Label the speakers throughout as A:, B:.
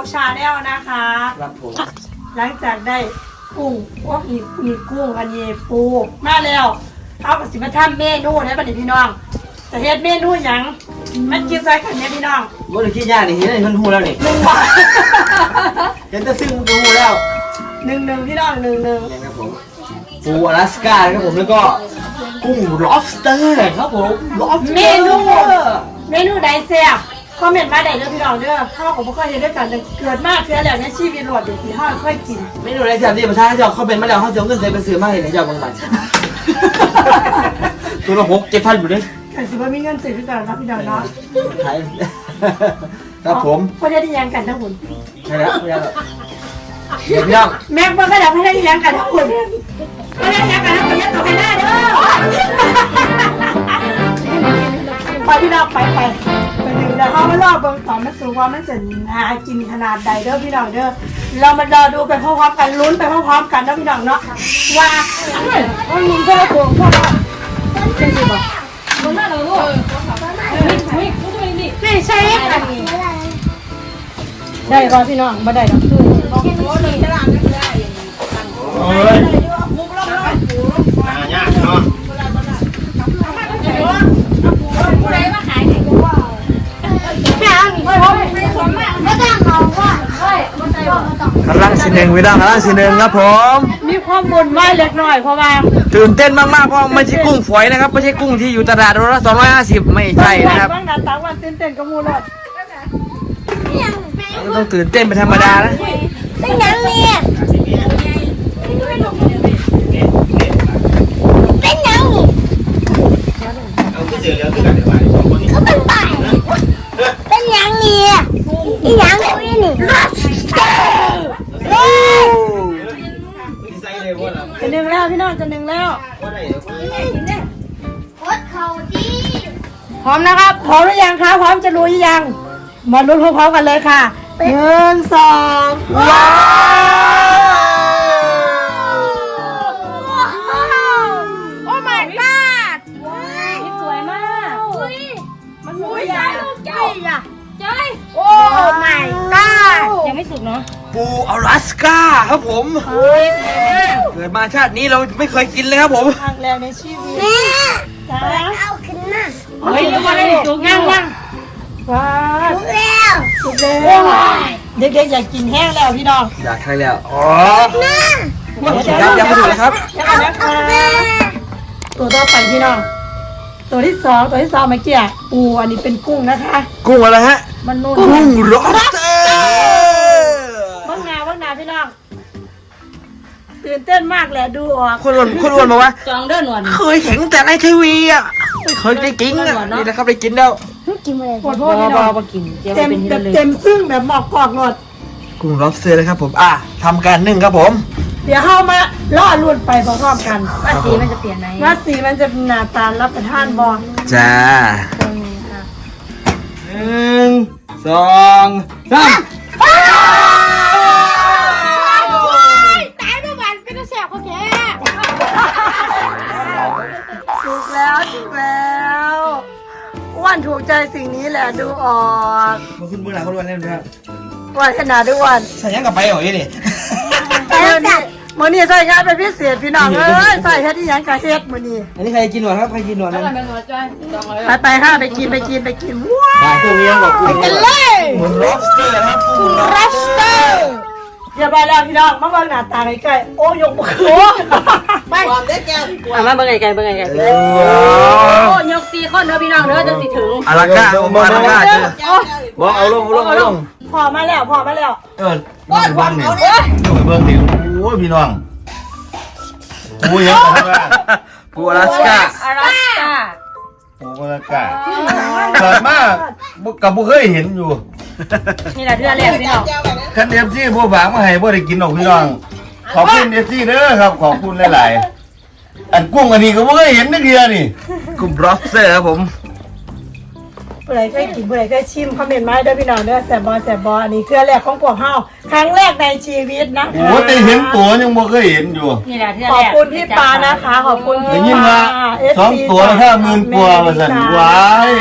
A: ชาแนลนะคะ
B: ครับผม
A: หลังจากได้กุ้งว่ามีกุ้งอันนี้ปูมาแล้วเอากับสิมาทำเมนูให้บัดนี้พี่น้องจะเฮ็ดเมนูหยังมันกินใส่กันเนี่ยพี่น้อง
B: ว่าเราคิดยากนี่เห็นมันหูแล้วนี่
A: 1 บาท
B: เห็นแต่ซึ่งมันก็หูแล้ว
A: 1พี่น้อง1
B: ครับผมปูอลาสก้าครับผมแล้วก็กุ้ง lobster ครับผม lobster
A: เมนูใดแซ่บคอมเมนต์มาได้เด้อพี่น้องเด้อเฮาก็บ่เคยเฮ็ดด้วยกันเกิดมาเทื่อแล้วในชีวิตรอดเดี๋ยวที่เฮาเคยกิน
B: เมนูอะไรแซ่บที่ประชาชนเขาเป็นมาแล้วเขาจะเอาเงินใส่ไปซื้อมาให้ในเจ้าบางมันตัวละ6-7,000อยู่ดิ
A: แต่สิบ่มีเงินซื้อคือกันครับพี่น้องเนาะ
B: ครับผม
A: บ่ได้ยังกันทั้งหมด
B: ใช่แล้วเดี๋ยวพี่น้อง
A: แม่บ่ก็ได้บ่ได้ยังกันทั้งหมดบ่ได้ยังกันทั้งหมดยังต่อไปได้เด้อไปพี่น้องไปดึงแล้วเฮามารอเบิ่งต่อมันสูงว่ามันจะหากินขนาดใดเด้อพี่น้องเด้อเรามารอดูไปพร้อมๆกันลุ้นไปพร้อมๆกันเด้อพี่น้องเนาะว่ามันมีเท่าตัวพวกเราเป็นสิบ่มันน่าเราลูกไม่ใช่อันนี้ได้บ่พี่น้องบ่ได้ดอกคือ
B: โอ้ยยากเนาะกำลังสีหนึ่งพี่น้องกำลังสีหนึ่งครับผม
A: มีความบุญไว้เล็กน้อยเพราะว่า
B: ตื่นเต้นมากๆเพราะไม่ใช่กุ้งฝอยนะครับไม่ใช่กุ้งที่อยู่ตลาดโลละ250ไม่ใช่นะครับ
A: บางนาต่างวันตื่นเต้นกับมูลด
B: ต้องตื่นเต้นเป็นธรรมดานะ
C: เป็นยังเนี่ยเป็นยังเขาเป็นป่ายเป็นยังเนี่ยอีหยังเขาเนี่ยนี่
A: จะหนึ่งแล้วพี่น้องจะหนึ่งแล้ว
C: โคตรเขาดี
A: พร้อมนะครับพร้อมหรือยังคะพร้อมจะรู้ยังมาลุ้นพร้อมๆกันเลยค่ะ1 2ว้าวโอ้ my god นี่สวยมากมันสวยใหญ่อะโอ้ my god ยังไม่สุกเนาะ
B: ปูอลาสก้าครับผมเกิดมาชาตินี้เราไม่เคยกินเลยครับผม
A: ครั้งแรกในชีวิตจ้า
C: เอาขึ้นมา
A: เฮ้ยยังไม่สุกยังว้าว
C: สุกแล้ว
A: สุกแล้วเด็กๆอยากกินแห้งแล้วพี่น้อง
B: อยากใช่แล้วอ๋อ
A: ยัง
B: ไม่ถูกเลยครับ
A: ยังนะคะตัวต่อไปพี่น้องตัวที่สองเมื่อกี้ปูอันนี้เป็นกุ้งนะคะ
B: กุ้งอะไรฮะ
A: มันนุ่น
B: กุ้งล็อบสเตอร์
A: บ้างนาพี่น้องตื่นเต้นมากแหละดูออก
B: คนอ้วนบอกว่า
A: จองเดินหนวด
B: เคยเห็นแต่ในทีวีอ่ะไม่เคยได้กินอ่ะนี่นะครับได้กินแล้ว
C: กินอะไร
A: ขอโทษพี่น้องเต็มซึ่งแบบหมอกกรอกหมด
B: กุ้งล็อบสเตอร์เลยครับผมทำการนึ่งครับผม
A: เดี๋ยวเข้ามาล่อลุ่นไปพร้อมกัน
C: ว่าสีมันจะเปลี่ยนไหม
A: ว่าสีมันจะหน้าตารับประทานบอล
B: จ้า1 2 3
A: ตายเมื่อวานเป็นแสบเขาแค่ถูกแล้วอ้วนถูกใจสิ่งนี้แหละดูออก
B: มาขึ้นเบื้องหลังเขาล้วนเล่นครับ
A: อ้วนขนาดด้วยอ้วน
B: ใส่ยังกับไปเหรอยี่นี่
A: มื้อนี้ใส่งานเป็นพิเศษพี่น้องเอ้ยใส่เฮ็ดอีหยังกะเฮ็ดมื้อนี้
B: อันนี้ใครกินหนวดครับใครกินหนวดนะ
A: ไปค่ะไปกินว้าว
B: ตัวนี้บอกกุ้ง
A: กันเลย
B: เหมือน lobster ครับกุ้ง
A: lobster เดี๋ยวไปแล้วพี่น้องมาเบิ่งหน้าตาใกล้ๆโอ้ยกมือไปความได้แก้วมาเบิ่งไกลโอ้ยก4คนเด้อพี่น้องเด้อจะสิถึง
B: อลาก้าบอกเอาลง
A: พอมาแล้ว
B: บ้านเนี่ยอยู่เบื้องดิโอ้ยพี่น้องปูยังปูอลาสก้าปูอลาสก้าเกิดมากกับบุเคยเห็นอยู่
A: นี่แหละเดือนแรกพี่น้อง
B: คันเอฟซีผู้ฝากมาให้บ่ได้กินหรอกพี่น้องขอบคุณเอฟซีเด้อครับขอบคุณหลายๆอันกุ้งอันนี้ก็บ่เคยเห็นนักเดียวนี่กุ้ง lobster ครับผม
A: ผู้ใดเคยกินผู้ใดเคยชิมคอมเมนต์มาเด้อพี่น้องเด้อแซ่บบออันนี้คือแรกของพวกเฮาครั้งแรกในชีวิตนะ
B: โอ้แต่เห็นตัวยังบ่เคยเห็นอยู่
A: นี่แหละขอบคุณพี่ปานะคะขอบคุณพี่
B: ปา2 ตัว50,000 กว่าว่าซั่นว้าย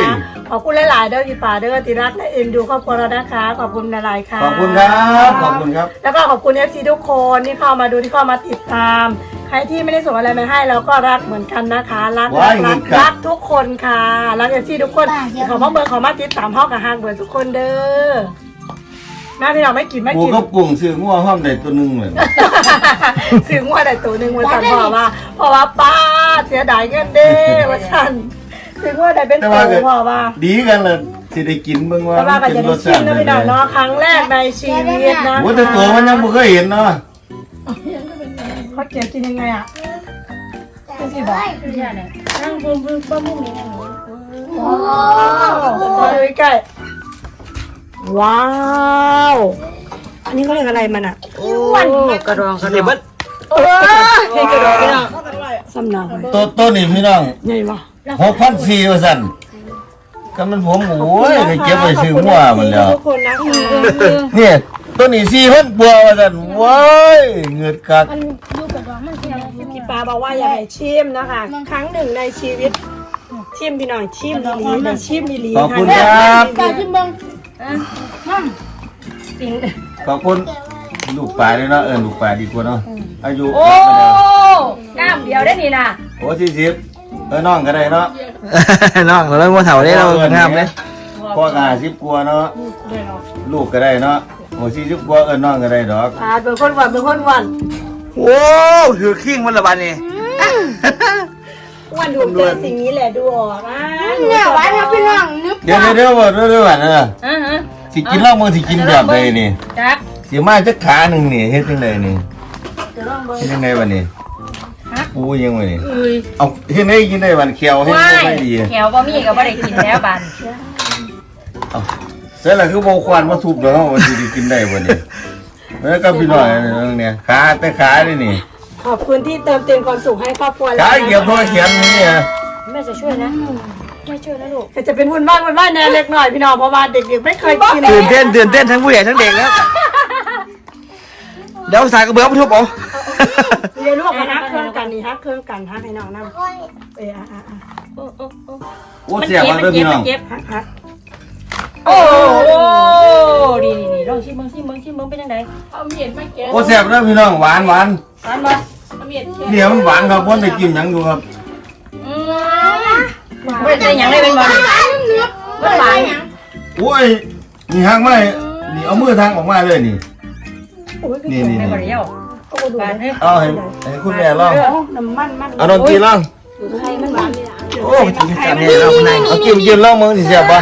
A: ขอบคุณหลายๆเด้อพี่ป่าเด้อที่รักและเอ็นดูครอบครัวเรานะคะขอบคุณหลายๆค่ะ
B: ขอบคุณครับขอบคุณครับ
A: แล้วก็ขอบคุณ FC ทุกคนที่เข้ามาดูที่เข้ามาติดตาม ใครที่ไม่ได้ส่งอะไรมาให้เราก็รักเหมือนกันนะคะรักทุกคนค่ะรัก FC ทุกคนขอมาเบอร์ขอมาติดตามห้องกับห้างเบอร์ทุกคนเด้อแม่พี่เราไม่กิน
B: ปูก็กุ้งซื้องัวห้อมได้ตัวนึงเลย
A: ซื้องัวได้ตัวหนึ่งวันสั่นเพราะว่าป้าเสียดายเงินเด้วันสั่นซื้องัวได้เป็นตัวเพราะว่า
B: ดีกันเลยสิได้กินเบิ่งว่า
A: แต่ว่าก็จะได้ชิมนะพี่น้องเนาะครั้งแรกในชีวิตนะ
B: โอ้แต่ตัวมันยังบ่เคยเห็นเนาะ
A: เขาเก็บกินยังไงอ่ะ
C: ไม่ใช่บอก
A: นั่งบึ้มบึ้มบึ้มนี่นะโอ้มาดูใกล้ว้าวอันนี้เขาเรียกอะไรมันอ่ะ
C: กระดอง
D: เดี๋ยวเบิ้ล
A: นี่กระโดดพี่น้องสำนัก
B: ตัวนี้พี่น้อง
A: ใหญ่ปะ
B: 6,400ว่าซั่นก็มันผมโอ้ยได้เก็บไว้ซื้องัวมันแล้ว
A: ทุกคนนะคะ
B: เนี่ยตัวนี้4,000บัวว่าซั่นว้ายเงือดกัก
A: พี่ปาบอกว่าอย่าให้ชิมนะคะ ครั้งหนึ่งในชีวิตชิมพี่หน่อยชิมดีๆนะชิมดี
B: ขอบคุณครับ
A: ปลาชิมบ้าง
B: ขอบคุณลูกปลาเลยเนาะลูกปลาดีกว่าเนาะอายุ
E: โอ้น้ำเดียวได้นี่นะ
B: โอ้40น้องก็ได้เนาะ
D: น้องเราเริ่มว่าเถาได้เรางามเลย
B: พ่อก็50กว่าเนาะลูกก็ได้เนาะโอ้40กว่าน้องก็ได้ดอก
A: ปลาเป็นคนหวานเป็นคนหวาน
D: โอ้ถือขิ้งมันละบันนี่
A: วันดูเจอสิ่งนี้แหละดูออกนะ
C: เนี่ยหวานครับพี่น้องนึก
B: เดี๋ยวบ่ว่านะสิกินเหล้ามึงสิกินแบบใดนี่
E: จัก
B: สิมาจักขาหนึงนี่เฮ็ดจังไดนี่เฮ็ดจังไดบัดนี้ปูยังไงนี่เอาเฮ็ดได้กินได้บัดเขียวเฮ็ด
E: ว้า
B: ได้
E: ย
B: ดี
E: แขวบ่มีก็บ่ได้กินแล้วบัน
B: เอาเสร็จแล้วคือบ่ควรมาทุบแล้วว่าสิได้กินได้บ่นี่แล้วก็พี่น้อยเนี่ยขาแต่ขานี่นี่
A: ขอบคุณที่เติมเต็มความสุขให้ครอบครัว
B: ขาเกี่ยวโทรเขียนนี่อ่ะ
E: แม่จะช่วยนะแม่ช่วยนะลูก
A: จะเป็นวุ่นวายแน่เล็กหน่อยพี่น้องเพราะว่าเด็กๆไม่เคยกิน
D: ตื่นเต้นทั้งผู้ใหญ่ทั้งเด็กแล้วเดี๋ยวสายกระเบื้องมาทุบเอา
A: เรียนลูกมาฮักเครื่องกันนี่ฮักเครื่องกันฮักให้น้องนั่ง
B: โอ้เสียบ่เด้อพี่น้อง
A: ฮัก
E: โอ้ดีลองชิมเบิ่งเป็นจังได
B: โอ้เสียบเด้อพี่น้องหวาน
E: หวานบ่
B: เนี่ยมันหวานครับบ่ได้กินหยังอยู่ครับ
E: บ่ได้หยังเลยเป็นบ่มันหวาน
B: โอ้ยนี่หักมานี่เอามือทางออกมาเลยนี่นี่
E: ไม่บ่ได้เยาบานเด้อ
B: เอาให้คุณแม่ลอง
A: น้ำมัน
B: เอาดนตรีลอง
A: ไข่มันหวานเลยอ่ะ
B: โอ้กินกันเนี่ยเราคนไหนเอากินลองมึงสิเสียบบ่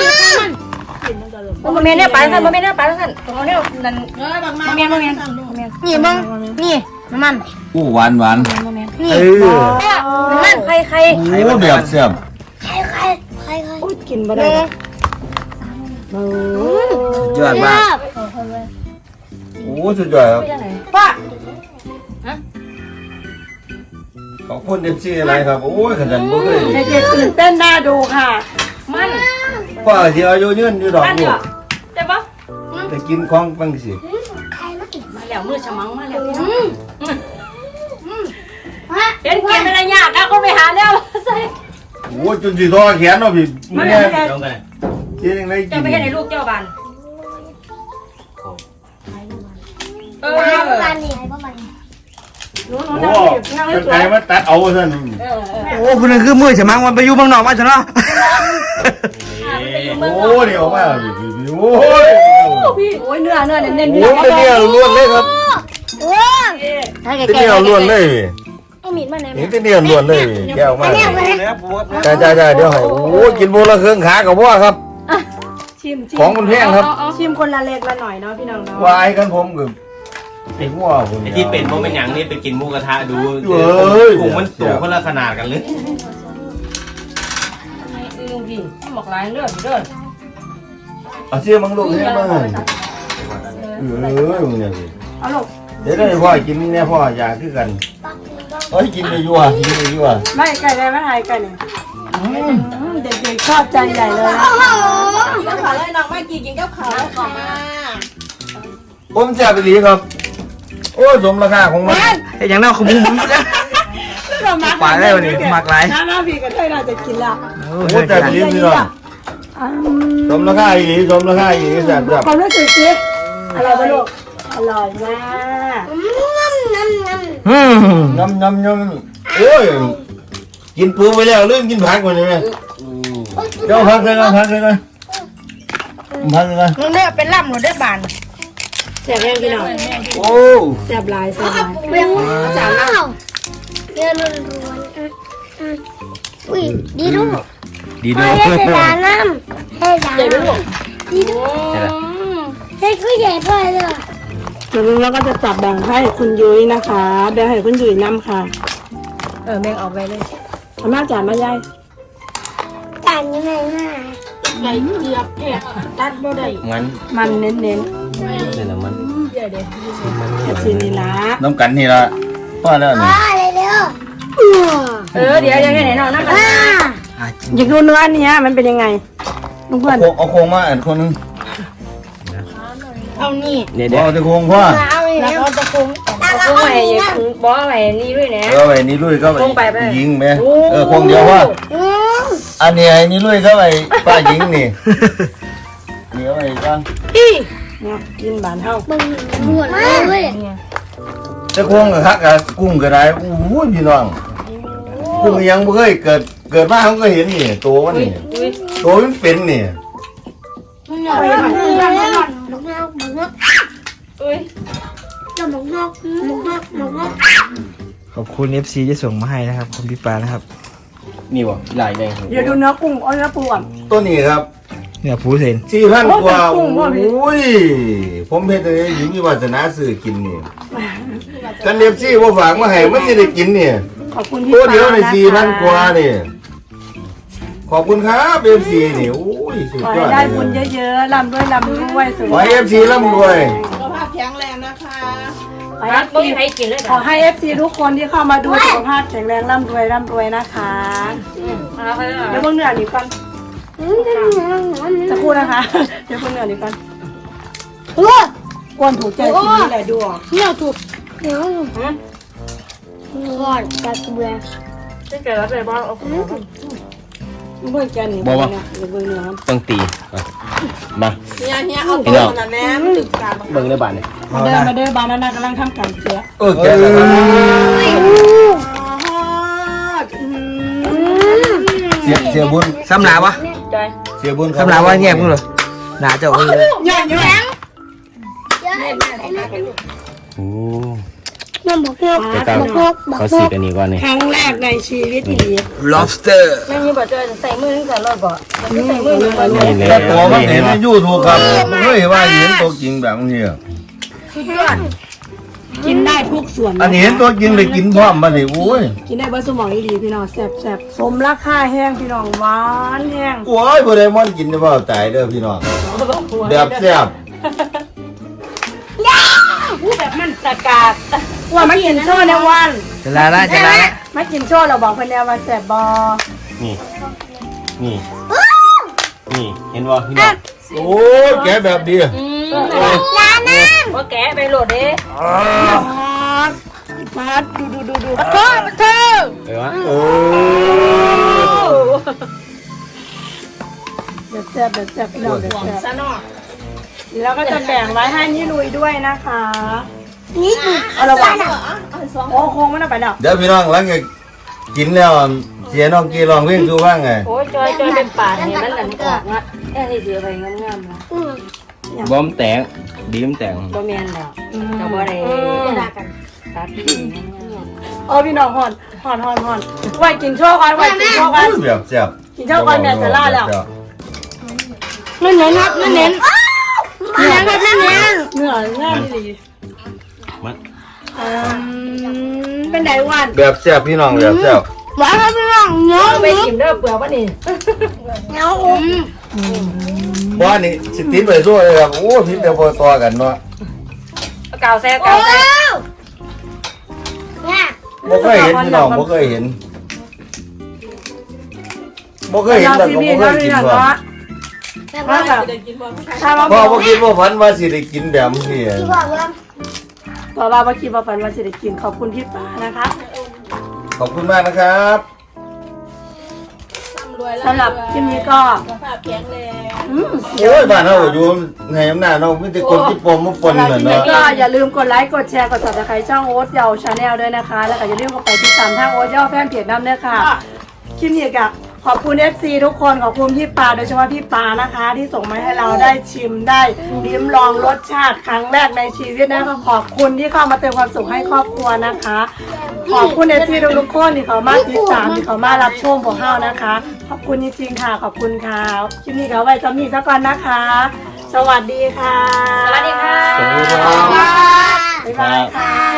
E: บ่แม่นแน่ปานซั่นบ่แม่นแน่ปานซั่นของเนี่ยนั่นบ่แม่น
C: นี่มึงนี่น้ำมัน
B: อู้หวาน
C: นี่
E: น้ำมันใคร
B: โอ้แบบเสียบ
C: ใคร
A: พูดกินมาได้
D: ยอดมาก
B: โอ้สุดยอดครับ
A: ป้า
B: ขอบคุณFCอะไรครับโอ้ยขนาดบ่เคย
A: เด็กๆตื่นเต้นน่าดูค่ะ
E: มัน
B: ป้าสิอายุยืนอยู่ดอก
E: มัน
B: ลู
E: เหร
B: ก
E: อได้บ่
B: ได้กินของบางสิ
E: มาแล้วมือฉมังมาแล้วพี่น้องเห็นเกมอะไรยากนะก็ไปหาแล้วใส่
B: โอ้จนสิทอแขนเนาะพี่แม่กินยังไงกิ
E: เจ้าน ไปให้ในลูกเจ้าบันเออ
C: ประมาณนี้ประมาณนี้
A: หนู
B: โอ้
A: นั่งให้
B: กัน
A: สว
B: ไก
A: ย
B: มาตัดเอาซั่น
D: โอ้คุณนึงคือมือฉมังมันไปอยู่เมืองนอกมาจ้ะเนาะ
B: โอ้นี่ออกมาพี่โอ้ย
A: โอ้ยเนื้อเน้นๆ
B: โอ้เป็นเนี่ยล้วนเลยครับ
C: ว้าวถ้าแก
B: เป็นเนี่ยล้วนเลย
C: เอามีดมาไหน
B: นี่เป็นเนี่ยล้วนเลยแก้วมา
C: เนี่ยเลย
B: จ้าเดี๋ยวให้โอ้กินโบละเครื่องขากับพ่อครับ
A: ชิม
B: ของมันแพงครับ
A: ชิมคนละเล็กละหน่อยเนาะพี่น้องเนาะ
B: วายกันผมกับไอ้หัวผม
D: ไอ้ที่เป็นเพราะเป็นอย่างนี้ไปกินหมูกระทะดู
B: เอ้ย
D: ถุงมันสูงคนละขนาดกันเลย
E: ลุงดิหมอกลายเลือดเลือด
B: เอาเสียมังลูกเนี่ยมามึงเนี่ยสิ
A: เอาลูก
B: เดี๋ยวได้พ่อกินเนี่ยพ่ออยากคือกันเฮ้ยกินไปยั่วกินไปยั่ว
A: ไม่ไก่ได้ไม่ไทยไก่เนี่ยเด็กๆชอบใจใหญ่เลย
E: กินข้าวเลยน้องไม่กินกับข้าวขอมา
B: ผมแซ่บไปดีครับ โอ้สมราคาของมัน
D: ไอ้อย่างนั้นขมุ้งมุ้งนะ ปลาได้วันนี้หมักหลาย
A: น้าพี่ก็ได้เราจะกินละ
B: โอ้แซ่บไปดีพี่น้องสมราคาอีหลีสมราคาอีหลีแซ่บ
A: ความรู้สึกสิอร่อยปะลูกอร่อยมาก
B: น้ำโอ้ยกินปูไปแล้วลืมกินผักก่อนเลยเดี๋ยวพักเลยกันพักเลยกันพักเลยกัน
A: มึงเนี่ยเป็นล่ำหนูได้บานแซ่บยังพี่น้อง
B: โอ้
A: แซ่บหลายแซ่บหลาย
C: เรียงจานน้ำเรียงล้วนอุ้ยดีดู
D: ดี
C: พ่
D: ด้
C: อ
D: วย
C: ให้จานน้ำให้จานน้ำดีดูให้ผู้ใหญ่พ่อเลย
A: แล้วก็จะจับแบ่งให้คุณยุ้ยนะคะแบ่งให้คุณยุ้ยน้ำค่ะ
E: แม่งเอาไปเลย
A: อาม่าจ่ายมายาย
C: จานยังไงง่าย
A: ไก่เจียบแค่ตัดบ่ได้
D: งั้น
A: มันเน้น
D: นี่แหละมัน
A: ๆแค่ชิ้นนี้ละ
B: น้ำกันนี่ละพ่อแล้วนี่
C: พ่อเลยเร็ว
E: เดี๋ยวแค่ไหนน้องนั่งกัน
A: อยากดูเนื้ออันเนี้ยมันเป็นยังไงลุงเพื่อน
B: เอาโครงมาอันคนนึง
A: เอานี่
D: เนี่ย
B: บ
D: เดี๋
B: อ
D: ยว
B: กจะโครงพ่อ
C: เอาเลย
A: แล้ว
C: เร็ว
A: ก็จะปรุง
E: กูใหม่บอกใหม่นี่ด้วยนะ
B: เอาไอ้นี่ลุยก็
E: โครงไปไป
B: ยิงไหมโครงเดียวพ่อ อันนี้ไอ้นี่ลุยเข้าไปป้าหญิงนี่นี่เอาไปก่อน
A: เนี่ยกินบานเท่า
C: บึ้งบวชเลย
B: จะควงกับคักกับกุ้งก็ได้โอ้โหพี่น้องกุ้งยังไม่เคยเกิดมาเขาก็เห็นนี่ตัวมันนี่ตัวมันเป็นนี่
A: เอาไปหน่อย
C: ลูกนกลูกนกลูกนก
E: เอ้ย
C: ลูกนกลูกนกลูกนก
D: ขอบคุณ FC ที่ส่งมาให้นะครับคุณพี่ปานะครับ
B: นี่วะหลายแดง
A: เดี๋ยวดูเนื้อกุ้งเอาเนื้อปูก่อน
B: ตัวนี้ครับ
D: เนี่ยผูเซน
B: 4,000 กว่า
A: โอ้
B: โอ้
A: โห
B: ยผมเห็นเลยหญิงมีวาสนาซื้อกินนี่กันเดฟซี่ว่าฝากมาให้มันจะได้กินนี่
A: ขอบคุณพี่
B: ตัว
A: ปา
B: เดียวใน
A: นะคะ
B: 4,000 กว่านี่ขอบคุณครับเอฟซีนี่โอ้ยสุด
A: ขอย
B: อ
A: ให้
B: ด
A: ได้
B: เล
A: บุญ
B: ย
A: เยอะๆร่ำด้วยสุข
B: ขอให้ FC ร่ำรวย
A: ขอ
E: รักไม่
A: ให้
E: ให้กินเลย
A: ขอให้ FC ทุกคนที่เข้ามาดูสุขภาพแข็งแรงร่ำรวยนะคะเดี๋ยวเพิ่งเหนื่อยหนีก่อนจะพูดนะคะ เดี๋ยวเพิ่งเหนื่อยหนีก่อน
C: โอ้ย
A: กวนถูกใจทีนี้แหละดูออก
C: เนี่ยถูกเดี๋ยวก่อนจัดเบื่อ
E: จะเกิดอะไรบ้างเอา
A: เพิ่งแกหนีไปเนี่ยเดี๋ยวเพิ่งเหนื่อย
D: ต้องตีมา
A: เนี่ยเอา
D: พี่
A: ตัว
D: น้อง
A: นั้นแน่ถึงการ
D: เบิ่งได้บ้านเนี่ย
A: มาเดินบานนั้นกำลังทำการเสีย
B: แกแล้วเสียบุญ
D: สำลาวะ
E: ใจ
B: เสียบุญ
D: สำลาว่าเงียบกูเลยหนาเจ้าเลย
A: ใหญ่ใหญ่
D: โอ้
C: มันบอกนก
D: เดี๋ยวตาม
C: บอกนก
D: เขาสีกันนี่ก่อนนี่
A: ครั้งแรกในชีวิตที่ดี
D: lobster
E: แม่นี่บอกจะใส่มือตั้งแต่รอดบ่จะใส่มือตั้งแต่รอด
B: แต่ตัวมันเห็นในยูทูบครับไม่เคยว่าเห็นตัวจริงแบบนี้
A: กินได้ทุกส่วน
B: อันนี้เห็นตัวจริงเลยกินพร้อมมาเลยโอ้ย
A: กินได้เบอร์สมองดีพี่น้องแซ่บสมราคาแห้งพี่น้องหวานแห้ง
B: โอ้ยบ่ได้มอนกินได้บ่ตายเด้อพี่น้องแบบแซ่บ
E: แบบมันตะกาด
A: ว่ามากินโชว์ในวัน
D: จะลาละจะลาละ
A: มากินโชว์เราบอกเพื่อนแล้วว่าแซ่บบอ
D: นี่นี่นี่เห็นบ่พี่น้อง
B: โอ้ยแกแบบดี
E: ว่าแกะไปโหลดเด้
A: มาดูโอ้มาเธอ
D: เออวะ
B: โอ้
A: แบบแซ่บพี่น้องแบบแซ่บ
E: ซะเนาะ
A: แล้วก็จะแบ่งไว้ให้นี่ลุยด้วยนะคะ
C: นี่
A: เอาระวังโอ้โค้งมันเอาไปแล้ว
B: เดี๋ยวพี่น้องหลังจากกินแล้วเสียน้องกีร้องเพลงสู่ฟังไง
E: โอ้ยจอยเป็นป่าเนี่ยมันหลังออกนะแค่ที่เสือไปงามๆนะ
D: บอมแตงบีมแตง
E: บ่แม่นแล้วแต่บ่ได้ตัดที่
A: โอ้พี่น้องหอนไว้กินโชว์กันไว้กินโชว์กัน
B: แบบแซ่บ
A: กินโชว์กันแม่จะล่าแล้ว
C: นั่นเน้นครับนั่นเน้นนั่นครับนั่นเน้น
A: เหนื่อยง่ายดี
D: มัน
A: เป็นไดวัน
B: แบบแซ่บพี่น้องแบบแซ่บ
C: หวานครับพี่น้องเนื้อ
E: ไปกินเด้อเปลือกบ่นี่
C: เนื้ออม
B: ว่านี่สิติดไปสู้เลยครับโอ้พิษเดียวพอตัวกันเนาะ
E: กาวแซ่
C: โอ้
E: กาวแซ่
C: เนี่ย
B: บ่เคยเห็นพี่น้องบ่เคยเห็นบ่เคยเห็นแล้วก็บ่เคยกินบ่
C: แต่ว่า
A: แบบถ้ามา
B: พ่อบ่คิดว่าฝันว่าสิได้กินแบบนี้
C: ที่บอกว่า
A: บอกว่าคิดว่าฝันว่าจะได้กินขอบคุณพี่ฟ้านะคะ
B: ขอบคุณมากนะครับ
A: ร่ำรวยสำหรับคลิปนี้ก็
E: สุขภาพแข็งแรง
B: โอ้ยบ้านเราอยู่ไงอำนาจเราไม่ได้คนที่ปมมาปน
A: สำหรับ
B: เหมื
A: ค
B: อน
A: ลิปนี้
B: เนาะ
A: ก็อย่าลืมกดไลค์กดแชร์กด Subscribe ช่องโอ๊ตเยาชาแนลด้วยนะคะ แล้วก็อย่าลืมเข้าไปติดตามทางโอ๊ตเยาแฟนเพจน้ำด้วยค่ะคลิปนี้ก็ขอบคุณ FC ทุกคนขอบคุณพี่ปาโดยเฉพาะพี่ปานะคะ ที่ส่งมาให้เราได้ชิมได้ลิ้มลองรสชาติครั้งแรกในชีวิตนะคะขอบคุณที่เข้ามาเติมความสุขให้ครอบครัวนะคะ ขอบคุณFC ทุกคนที่เขามาติดตามที่เขามารับชมพวกเรานะคะ ขอบคุณจริงๆค่ะขอบคุณค่ะคลิปนี้ก็ไว้ซ้ำนี้ซะก่อนนะคะ สวัสดีค่ะ
E: สวัสดีค่ะ
B: สวัสดีครับ
A: บ๊ายบายค่ะ